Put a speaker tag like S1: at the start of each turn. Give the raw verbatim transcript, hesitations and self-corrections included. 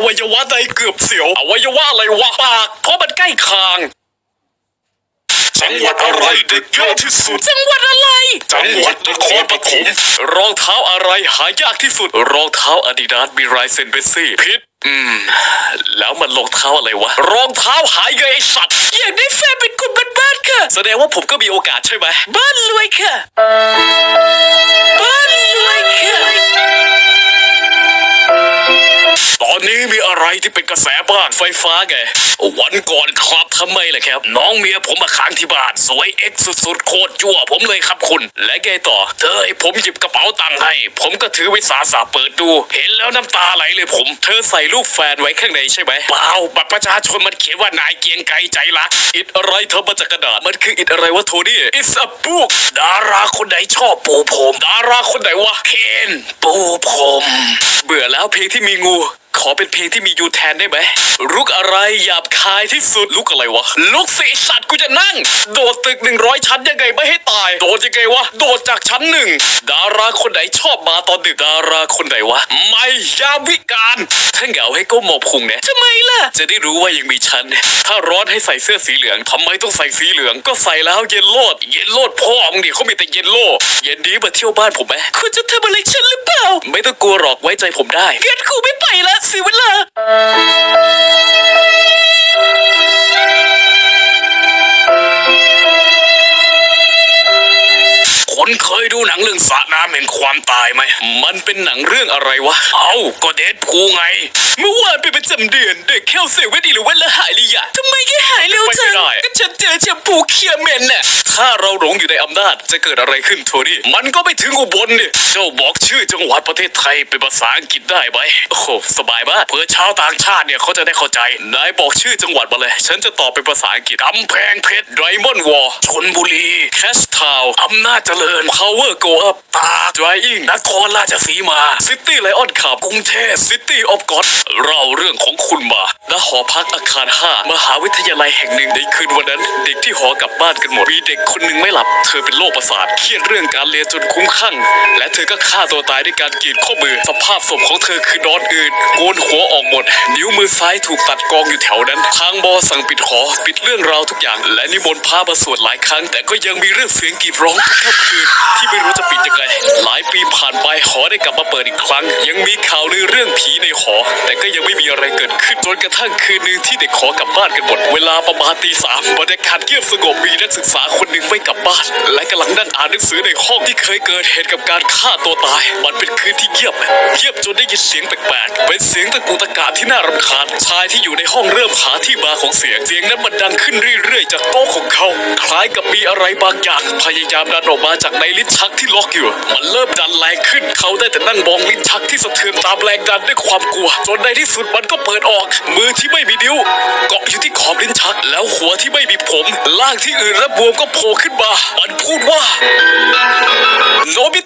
S1: วัยวะใดเกือบเสียวอวัยวะอะไรวะปากเพราะมันใกล้คางจังหวัดอะไรเด็กเยอะที่สุดจังหวัดอะไรจังหวัดนครปฐมรองเท้าอะไรหายากที่สุดรองเท้าอาดิดาสมีลายเซ็นเบสซี่ผิดอืมแล้วมันรองเท้าอะไรวะรองเท้าหายเกยไอสัตว์อยากได้แฟนเป็นคนบ้านๆค่ะแสดงว่าผมก็มีโอกาสใช่ไหมบ้านรวยค่ะบ้านรวยค่ะตอนนี้มีอะไรที่เป็นกระแสบ้างไฟฟ้าไงวันก่อนครับทำไมล่ะครับน้องเมียผมมาค้างที่บ้านสวยเอ็กซ์สุดๆโคตรยั่วผมเลยครับคุณและไงต่อเธอให้ผมหยิบกระเป๋าตังค์ให้ผมก็ถือวิสาสะเปิดดูเห็นแล้วน้ำตาไหลเลยผมเธอใส่รูปแฟนไว้ข้างในใช่ไหมเปล่าบัตรประชาชนมันเขียนว่านายเกียงไกรใจรักอิดอะไรเธอมาจากกระดาษมันคืออิดอะไรวะโทนี่ It's a book ดาราคนไหนชอบปูผมดาราคนไหนวะเคนปูผมเบื่อแล้วเพลงที่มีงูขอเป็นเพลงที่มียูแทนได้ไหมลุกอะไรหยาบคายที่สุดลุกอะไรวะลุกสิสัตว์กูจะนั่งโดดตึกหนึ่งร้อยชั้นยังไงไม่ให้ตายโดดยังไงวะโดดจากชั้นหนึ่งดาราคนไหนชอบมาตอนดึกดาราคนไหนวะไม่ยามวิการถ้าเหงาให้ก้มหมอบพุงเนี่ยทำไมล่ะจะได้รู้ว่ายังมีฉันถ้าร้อนให้ใส่เสื้อสีเหลืองทำไมต้องใส่สีเหลืองก็ใส่แล้วเย็นโลดเย็นโลดพ่อมึงดิเขามีแต่เย็นโลดเย็นนี้มาเที่ยวบ้านผมไหมคุณจะทำอะไรฉันหรือเปล่าไม่ต้องกลัวหรอกไว้ใจผมได้เกิดกูไม่ไปละเสียเวลาคุณเคยดูหนังเรื่องสระน้ำแห่งความตายไหมมันเป็นหนังเรื่องอะไรวะเอ้าก็เดดพูลไงเมื่อวานเป็นประจำเดือนเด็กแค่เซเว่นอีหรือวันละหายเลยอะทำไมแค่หายเร็วจังก็ฉันเจอแชมพูเคลียร์เมนน่ะถ้าเราหลงอยู่ในอำนาจจะเกิดอะไรขึ้นโทนี่มันก็ไม่ถึงอุบลเนี่ยเจ้าบอกชื่อจังหวัดประเทศไทยเป็นภาษาอังกฤษได้ไหมโอ้โหสบายมากเพื่อชาวต่างชาติเนี่ยเขาจะได้เข้าใจนายบอกชื่อจังหวัดมาเลยฉันจะตอบเป็นภาษาอังกฤษกำแพงเพชรไดมอนด์วอลชลบุรีแคชทาวน์อำนาจเจริญพาวเวอร์โกอัพตาดรายอิงนครราชสีมาซิตี้ไลออนขับกรุงเทพซิตี้ออฟก็อดเล่าเรื่องของคุณมาณหอพักอาคารห้ามหาวิทยาลัยแห่งหนึ่งในคืนวันนั้นเด็กที่หอกลับบ้านกันหมดมีเด็กคนหนึ่งไม่หลับเธอเป็นโรคประสาทเครียดเรื่องการเรียนจนคุ้มคลั่งและเธอก็ฆ่าตัวตายด้วยการกรีดข้อมือสภาพศพของเธอคือนอนอืดโกนหัวออกหมดนิ้วมือซ้ายถูกตัดกองอยู่แถวนั้นทางบอสั่งปิดหอปิดเรื่องราวทุกอย่างและนิมนต์พระมาสวดหลายครั้งแต่ก็ยังมีเรื่องเสียงกรีดร้องทุกค่ำคืนที่ไม่รู้จะปิดยังไงหลายปีผ่านไปหอได้กลับมาเปิดอีกครั้งยังมีข่าวลือเรื่องผีในหอแต่ก็ยังไม่มีอะไรเกิดขึ้นจนกระทั่งคืนนึงที่เด็กขอกลับบ้านกันหมดเวลาประมาณตีสามบรรยากาศเงียบสงบมีนักศึกษาคนหนึ่งไม่กลับบ้านและกำลังนั่งอ่านหนังสือในห้องที่เคยเกิดเหตุกับการฆ่าตัวตายมันเป็นคืนที่เงียบเงียบจนได้ยินเสียงแปลกๆเป็นเสียงตะกุกตะกาที่น่ารำคาญชายที่อยู่ในห้องเริ่มหาที่มาของเสียงเสียงนั้นมันดังขึ้นเรื่อยๆจากโต๊ะของเขาคล้ายกับมีอะไรบางอย่างพยายามดันออกมาจากในลิ้นชักที่ล็อกอยู่มันเริ่มดันแรงขึ้นเขาได้แต่นั่งมองลิ้นชักที่สะเทือนตามแรงดันด้วยความกลัวจนในที่สุดมันก็เปิดออกมือที่ไม่มีนิ้วเกาะอยู่ที่ขอบลิ้นชักแล้วหัวที่ไม่มีผมล่างที่อื่นและบวมก็โผล่ขึ้นมามันพูดว่าโนบิ